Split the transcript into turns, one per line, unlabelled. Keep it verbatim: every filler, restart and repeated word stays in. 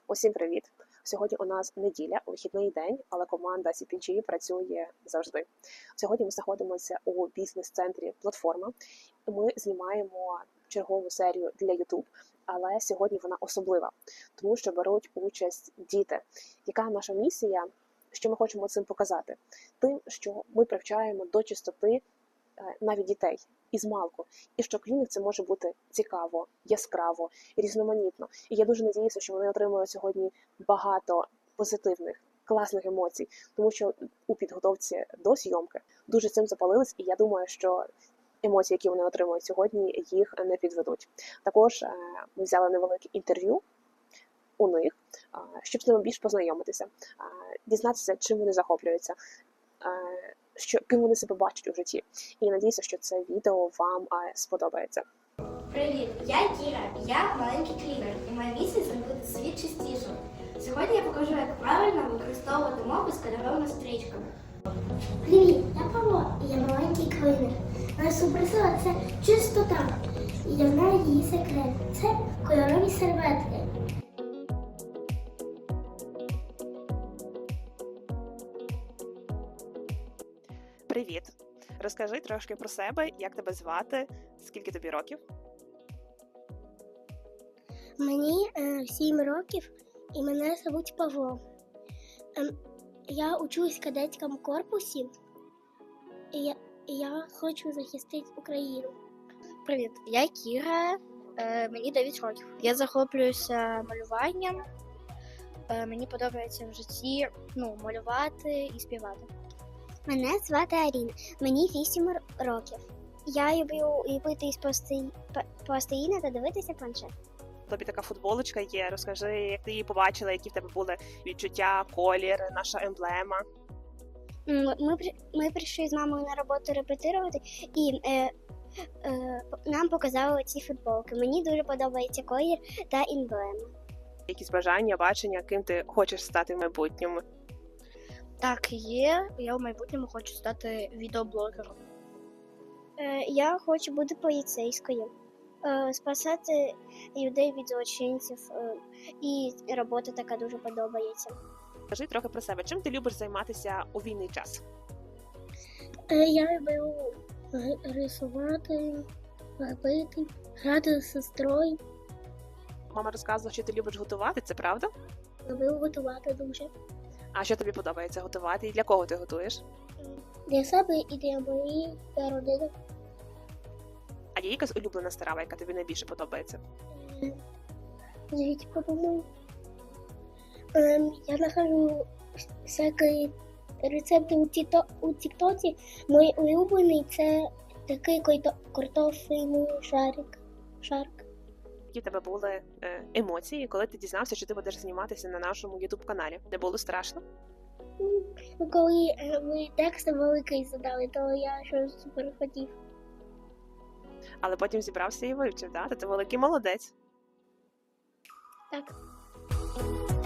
Усім привіт! Сьогодні у нас неділя, вихідний день, але команда сі пі джі працює завжди. Сьогодні ми знаходимося у бізнес-центрі «Платформа». Ми знімаємо чергову серію для YouTube, але сьогодні вона особлива, тому що беруть участь діти. Яка наша місія? Що ми хочемо цим показати? Тим, що ми привчаємо до чистоти навіть дітей із малку, і що для них це може бути цікаво, яскраво, різноманітно. І я дуже надіюся, що вони отримують сьогодні багато позитивних, класних емоцій, тому що у підготовці до зйомки дуже цим запалились, і я думаю, що емоції, які вони отримують сьогодні, їх не підведуть. Також ми взяли невелике інтерв'ю у них, щоб з ними більш познайомитися, дізнатися, чим вони захоплюються, що, ким вони себе бачать у житті. І надіюся, що це відео вам а, сподобається.
Привіт, я Кіра, я маленький клівер, і моя місія зробити світ чистішим. Сьогодні я покажу, як правильно використовувати мопи з кольоровими стрічками.
Привіт, я Павло, і я маленький клінер. Моя суперсила – це чистота. І я знаю її секрет. Це кольорові серветки.
Привіт! Розкажи трошки про себе, як тебе звати, скільки тобі років?
Мені е, сім років, і мене звуть Павло. Е, я учусь в кадетському корпусі, і я, і я хочу захистити Україну.
Привіт, я Кіра, е, мені дев'ять років. Я захоплююся малюванням. Е, мені подобається в житті ну, малювати і співати.
Мене звати Аріна, мені вісім років. Я люблю ліпити із пластиліна та дивитися планшет.
Тобі така футболочка є, розкажи, як ти її побачила, які в тебе були відчуття, колір, наша емблема.
Ми, ми прийшли з мамою на роботу репетирувати, і е, е, нам показали ці футболки. Мені дуже подобається колір та емблема.
Якісь бажання, бачення, ким ти хочеш стати в майбутньому?
Так, є. Я в майбутньому хочу стати відеоблогером.
Е, я хочу бути поліцейською, е, спасати людей від злочинців, е, і робота така дуже подобається.
Скажи трохи про себе. Чим ти любиш займатися у вільний час?
Е, я люблю рисувати, робити, грати з сестрою.
Мама розказувала, що ти любиш готувати, це правда?
Люблю готувати дуже.
А що тобі подобається готувати і для кого ти готуєш?
Для себе і для моєї родини.
А є якась улюблена страва, яка тобі найбільше подобається?
Звідки подумаю. Ем, я нахожу всякі рецепти у, тіто, у тіктоці. Мій улюблений – це такий картофельний шарик. шарик.
Які в тебе були е, емоції, коли ти дізнався, що ти будеш зніматися на нашому ютуб-каналі? Не було страшно?
Ну, коли е, ви текст великий задали, то я щось супер хотів.
Але потім зібрався і вивчив, да? Та ти великий молодець.
Так.